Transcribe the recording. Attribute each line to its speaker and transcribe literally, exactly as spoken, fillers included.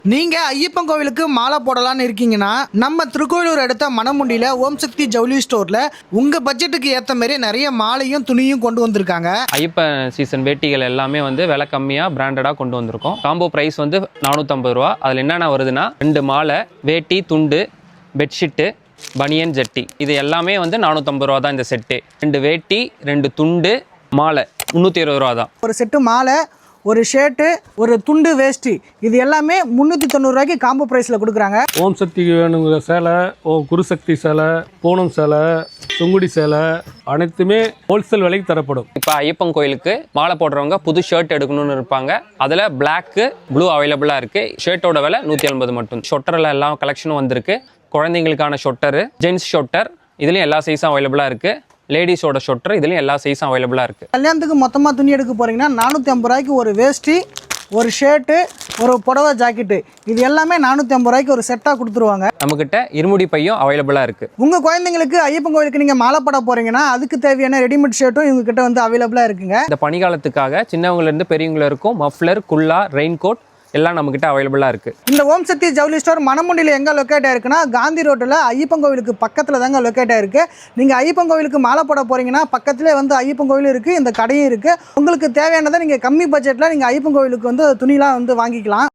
Speaker 1: நீங்க ஐயப்பன் கோவிலுக்கு மாலை போடலான்னு இருக்கீங்கன்னா நம்ம திருக்கோயிலூர் அடுத்த மணமுண்டியில ஓம் சக்தி ஜவுளி ஸ்டோர்ல உங்க பட்ஜெட்டுக்கு ஏத்த மாதிரி நிறைய மாலையும் துணியும் கொண்டு வந்திருக்காங்க.
Speaker 2: ஐயப்பன் சீசன் வேட்டிகள் எல்லாமே வந்து விலை கம்மியா பிராண்டடா கொண்டு வந்திருக்கோம். காம்போ பிரைஸ் வந்து நானூத்தி ஐம்பது ரூபா. அதுல என்னென்ன வருதுன்னா ரெண்டு மாலை, வேட்டி, துண்டு, பெட்ஷீட்டு, பனியன், ஜட்டி, இது எல்லாமே வந்து நானூத்தி ஐம்பது ரூபா தான் இந்த செட்டு. ரெண்டு வேட்டி, ரெண்டு துண்டு, மாலை முந்நூற்றி இருபது ரூபா தான்.
Speaker 1: ஒரு செட்டு மாலை, ஒரு ஷர்ட்டு, ஒரு துண்டு, வேஷ்டி, இது எல்லாமே முந்நூற்றி தொண்ணூறுரூவாய்க்கு காம்போ ப்ரைஸில் கொடுக்குறாங்க.
Speaker 3: ஓம் சக்திக்கு வேணுங்கிற சேலை, ஓம் குருசக்தி சேலை, பூனம் சேலை, சுங்குடி சேலை அனைத்துமே ஹோல்சேல் விலைக்கு தரப்படும்.
Speaker 2: இப்போ ஐயப்பன் கோயிலுக்கு மாலை போடுறவங்க புது ஷர்ட் எடுக்கணும்னு இருப்பாங்க. அதில் பிளாக்கு, ப்ளூ அவைலபிளாக இருக்குது. ஷர்ட்டோட விலை நூற்றி ஐம்பது மட்டும். ஷொட்டரில் எல்லா கலெக்ஷனும் வந்திருக்கு. குழந்தைங்களுக்கான ஷொட்டரு, ஜென்ஸ் ஷொட்டர், இதுலேயும் எல்லா சைஸும் அவைலபிளாக இருக்குது. லேடிஸோட ஷொட்டர், இதுலேயும் எல்லா சைஸும் அவைலபிளாக இருக்குது.
Speaker 1: கல்யாணத்துக்கு மொத்தமாக துணி எடுக்க போகிறீங்கன்னா நானூற்றி ஐம்பது ரூபாய்க்கு ஒரு வேஷ்டி, ஒரு ஷர்ட்டு, ஒரு புடவை ஜாக்கெட்டு, இது எல்லாமே நானூற்றி ஐம்பது ரூபாய்க்கு ஒரு செட்டாக கொடுத்துருவாங்க.
Speaker 2: நம்மக்கிட்ட இருமுடி பையும் அவைலபிளாக இருக்குது.
Speaker 1: உங்கள் குழந்தைங்களுக்கு ஐயப்பன் கோயிலுக்கு நீங்கள் மாலை போட போகிறீங்கன்னா அதுக்கு தேவையான ரெடிமேட் ஷர்ட்டும் இவங்ககிட்ட வந்து அவைலபிளாக இருக்குங்க.
Speaker 2: இந்த பனிகாலத்துக்காக சின்னவங்கலேருந்து பெரியவங்கள இருக்கும் மஃப்ளர், குல்லா, ரெயின் கோட் எல்லாம் நம்மக்கிட்ட அவைலபிளாக இருக்குது.
Speaker 1: இந்த ஓம் சக்தி ஜவுளி ஸ்டோர் மணமுண்டியில் எங்கே லொக்கேட் ஆயிருக்குன்னா காந்தி ரோட்டில் ஐயப்பன் கோவிலுக்கு பக்கத்தில் தாங்க லொக்கேட் ஆயிருக்கு. நீங்கள் ஐயப்பன் கோவிலுக்கு மாலை போட போகிறீங்கன்னா பக்கத்துலேயே வந்து ஐயப்பன் கோவில் இருக்குது, இந்த கடையும் இருக்குது. உங்களுக்கு தேவையானதை நீங்கள் கம்மி பட்ஜெட்டில் நீங்கள் ஐயப்பன் கோவிலுக்கு வந்து துணிலாம் வந்து வாங்கிக்கலாம்.